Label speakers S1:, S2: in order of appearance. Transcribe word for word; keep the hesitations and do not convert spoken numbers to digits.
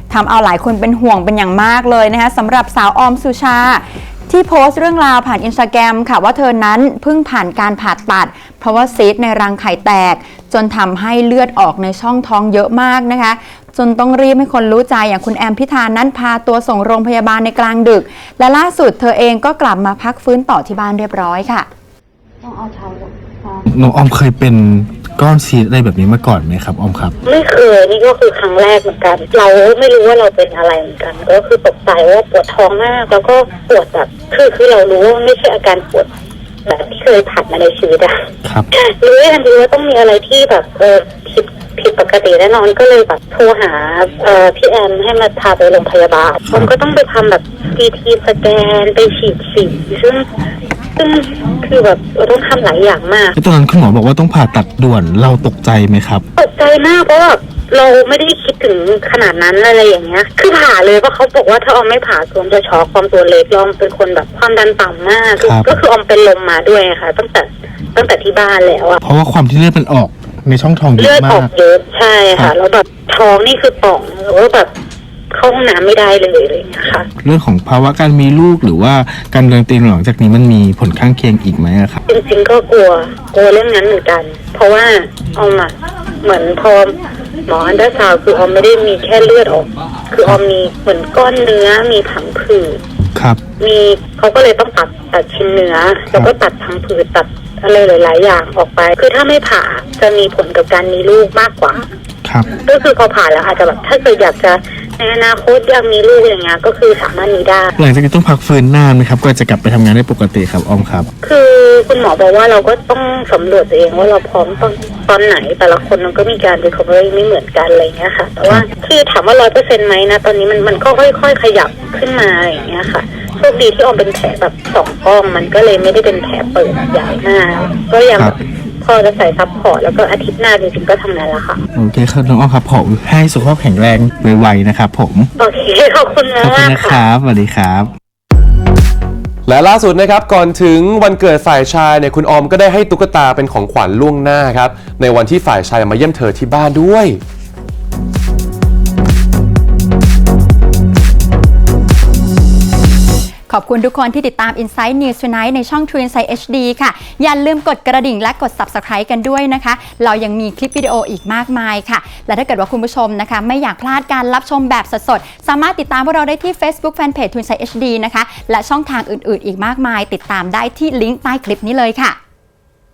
S1: ทำเอาหลายคนเป็นห่วงเป็นอย่างมากเลยนะคะสำหรับสาวออมสุชาที่โพสต์เรื่องราวผ่านอินสตาแกรมค่ะว่าเธอนั้นเพิ่งผ่านการผ่าตัดเพราะว่าซีสต์ในรังไข่แตกจนทำให้เลือดออกในช่องท้องเยอะมากนะคะจนต้องรีบให้คนรู้ใจอย่างคุณแอมพิธานั้นพาตัวส่งโรงพยาบาลในกลางดึกและล่าสุดเธอเองก็กลับมาพักฟื้นต่อที่บ้านเรียบร้อยค่ะ
S2: ต้องเอาเท้าลง
S3: น้องออมเคยเป็นก้อนซีสอะไรแบบนี้มาก่อนไหมครับออมครับ
S2: ไม่เคยนี่ก็คือครั้งแรกเหมือนกันเราไม่รู้ว่าเราเป็นอะไรเหมือนกันก็คือตกใจว่าปวดท้องมากแล้วก็ปวดแบบคือคือเรารู้ว่าไม่ใช่อาการปวดแบบที่เคยผ่านมาในชีวิตอะ
S3: ครับ
S2: รู้ทันทีว่าต้องมีอะไรที่แบบเออผิดผิดปกติแน่นอนก็เลยแบบโทรหาเอ่อพี่แอมให้มาพาไปโรงพยาบาลผมก็ต้องไปทำแบบซีทีสแกนไปฉีดสีซึ่งซึ่งคือแบบเราต้องทำหลายอย่างมาก
S3: ตอนนั้นคุณหมอบอกว่าต้องผ่าตัดด่วนเราตกใจไหมครับ
S2: ตกใจมากเพราะว่าเราไม่ได้คิดถึงขนาดนั้นอะไรอย่างเงี้ยคือผ่าเลยเพราะเขาบอกว่าถ้าออมไม่ผ่าออมจะช็อกความตัวเล็กเราเป็นคนแบบความดันต่ำมากก็คือออมเป็นลมมาด้วยค่ะตั้งแต่ตั้งแต่ที่บ้านแล้วอะ
S3: เพราะว่าความที่เลือดมันออกในช่องท้องเยอะมาก
S2: เลือดออกเยอะใช่ค่ะแล้วแบบท้องนี่คือป่องแล้วก็แบบเข้าห้องน้ำไม่ได้เลยเลยนะคะ
S3: เรื่องของภาวะการมีลูกหรือว่าการเลี้ยงเตียงหลังจากนี้มันมีผลข้างเคียงอีกไหมครับ
S2: จริงๆก็กลัวกลัวเรื่องนั้นเหมือนกันเพราะว่าออมอะเหมือนพอหมออันดาซาวคือออมไม่ได้มีแค่เลือดออกคือออมมีเหมือนก้อนเนื้อมีผังผืด
S3: ครับ
S2: มีเขาก็เลยต้องตัดตัดชิ้นเนื้อแล้วก็ตัดผังผืดตัดอะไรหลายๆอย่างออกไปคือถ้าไม่ผ่าจะมีผลกับการมีลูกมากกว่า
S3: ครับ
S2: ก็คือพอผ่าแล้วอาจจะแบบถ้าเกิดอยากจะในอนาคตอยากมีลูกอย่างเงี้ยก็คือสามารถมีได้
S3: หลังจากนี้ต้องพักฟื้นนานไหมครับก็จะกลับไปทำงานได้ปกติครับออมครับ
S2: คือคุณหมอบอกว่าเราก็ต้องสำรวจตัวเองว่าเราพร้อมตอนตอนไหนแต่ละคนมันก็มีการ recovery ไม่เหมือนกันอะไรเงี้ยค่ะแต่ว่าคือถามว่าร้อยเปอร์เซ็นต์ไหมนะตอนนี้มันมันก็ค่อยๆขยับขึ้นมาอย่างเงี้ยค่ะโชคดีที่ออมเป็นแผลแบบสองก้องมันก็เลยไม่ได้เป็นแผลเปิดใหญ่มากก็ยังพอจะใส่ซัพพอร์ตแล้วก็อาทิตย์หน้าจริงๆก็ทำงานแล้วค่ะ
S3: โอเคครับน้องออมครับผมให้สุขภาพแข็งแรงไวๆนะครับผม
S2: โอเคขอบคุณมาก
S3: ขอบคุณนะครับสวัสดีครับ
S4: และล่าสุดนะครับก่อนถึงวันเกิดฝ่ายชายเนี่ยคุณออมก็ได้ให้ตุ๊กตาเป็นของขวัญล่วงหน้าครับในวันที่ฝ่ายชายมาเยี่ยมเธอที่บ้านด้วย
S1: ขอบคุณทุกคนที่ติดตาม Inside News Tonight ในช่อง True Insight เอช ดี ค่ะอย่าลืมกดกระดิ่งและกด Subscribe กันด้วยนะคะเรายังมีคลิปวิดีโออีกมากมายค่ะและถ้าเกิดว่าคุณผู้ชมนะคะไม่อยากพลาดการรับชมแบบสดๆสามารถติดตามพวกเราได้ที่ Facebook Fanpage True Insight เอช ดี นะคะและช่องทางอื่นๆอีกมากมายติดตามได้ที่ลิงก์ใต้คลิปนี้เลยค่ะ